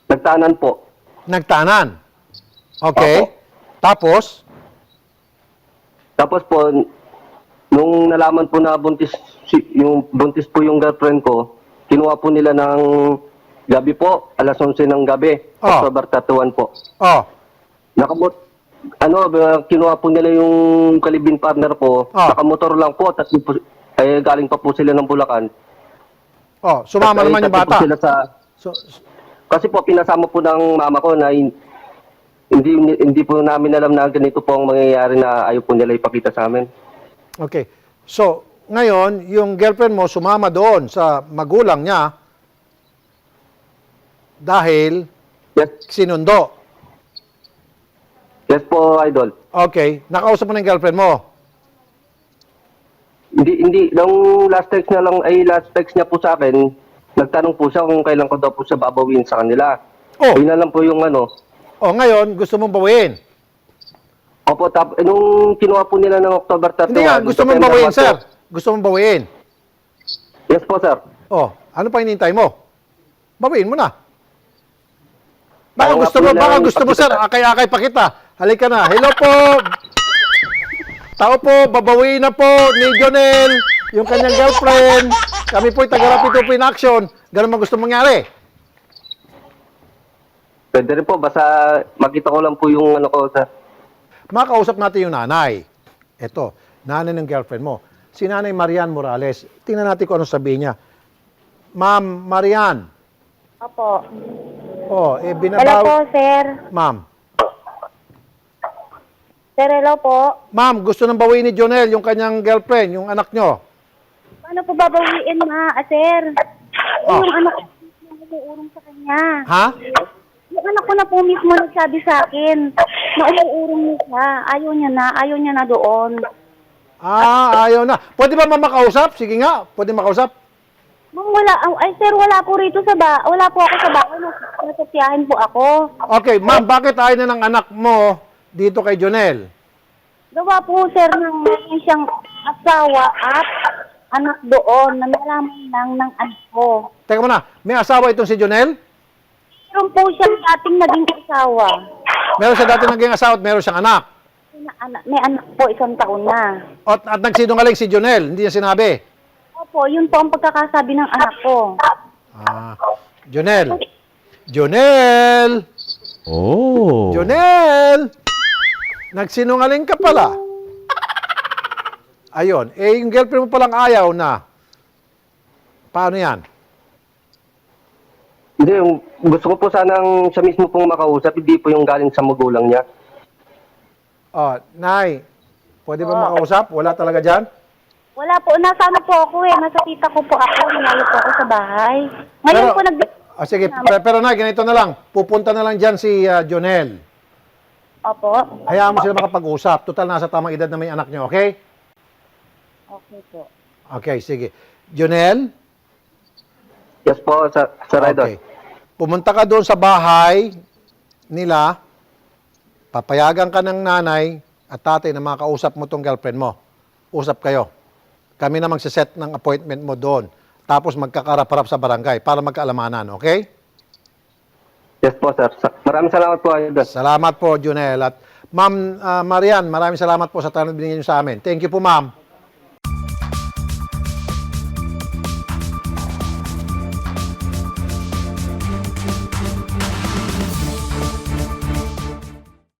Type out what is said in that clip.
Nagtanan po. Nagtanan. Okay. Opo. Tapos, Tapos po, nung nalaman po na yung buntis po yung girlfriend ko, kinuha po nila ng gabi po, alas 11 ng gabi, Oh. October 31 po. oh, Kinuha po nila yung kalibin partner po, Oh. nakamotor lang po, tatlo po, galing pa po sila ng Bulacan. sumama At, naman yung tatlo po bata. sila So, kasi po, pinasama po ng mama ko na hindi po namin alam na ganito po ang mangyayari na ayaw po nila ipakita sa amin. okay. So, ngayon, yung girlfriend mo sumama doon sa magulang niya dahil Yes, sinundo. yes po, Idol. Okay. Nakausap mo na yung girlfriend mo. Nung last text niya po sa akin, nagtanong po siya kung kailan ko daw po siya babawin sa kanila. Oh. Yun na lang po yung ano. Ngayon, gusto mong bawiin. Opo, nung kinuha po nila ng October 31. Hindi nga, gusto mong September bawiin, 1 sir. po. Gusto mong bawiin. Yes po, sir. Ano pa hinihintay mo? Bawiin mo na. Baka Ayaw gusto mo, sir. Akay-akay pa kita. Halika na. Hello po. Tao po, babawiin na po ni Jonel, yung kanyang girlfriend. Kami po'y taga-Rapid in action. Ganun man gusto mangyari. Pwede rin po, basta makita ko lang po yung ano ko, sir. Makausap natin yung nanay. Ito, nanay ng girlfriend mo. Si Nanay Marian Morales. Tingnan natin kung ano sabihin niya. Ma'am Marian. Opo. Hello Binabaw... po, sir. Ma'am. Sir, hello po. Ma'am, gusto nang bawiin ni Jonel, yung kanyang girlfriend, yung anak nyo. Paano po babawiin, sir? Oh. Yung anak ko umuurong sa kanya. Ha? Yung anak ko na po mismo nagsabi sa akin na umuurong niya siya. Ayaw niya na doon. Ayaw na. Pwede ba makausap? Sige nga, pwede makausap. Ma'am, sir, wala po rito wala po ako sa bahay. Nasasyahin po ako. Okay, ma'am, bakit ayaw na ng anak mo dito kay Jonel? Gawa po, sir, ng mayroon siyang asawa at anak doon na nalaman lang ng anak ko. Teka muna, may asawa itong si Jonel? Meron po siyang dating naging asawa. Meron siya dati naging asawa at meron siyang anak. May anak po, 1 taon na. At nagsinungaling si Jonel, hindi niya sinabi. Opo, yun po ang pagkakasabi ng anak ko. Jonel. Jonel! Oh. Jonel! Nagsinungaling ka pala. Ayun. Yung girlfriend mo palang ayaw na. Paano yan? Hindi, gusto ko po sanang siya mismo pong makausap, hindi po yung galing sa magulang niya. Nay, pwede ba makausap? Wala talaga dyan? Wala po, nasa ano po ako nasa tita ko po ako, nalayo po ako sa bahay. Ngayon Pero- po Sige, pero Nay, ganito na lang. Pupunta na lang dyan si Jonel. Opo, Hayaan mo sila makapag-usap. Total, nasa tamang edad na may anak niyo, okay? okay po. Okay, sige. Jonel? Yes po, Sir Idol. Okay. Pumunta ka doon sa bahay nila, papayagan ka ng nanay at tatay na makausap mo tong girlfriend mo. Usap kayo. Kami na magsiset ng appointment mo doon. Tapos magkakarap-harap sa barangay para magkaalamanan, okay? Yes po, sir. Maraming salamat po, Idol. Salamat po, Junel. At Ma'am Marian, maraming salamat po sa tanong binigyan niyo sa amin. Thank you po, ma'am.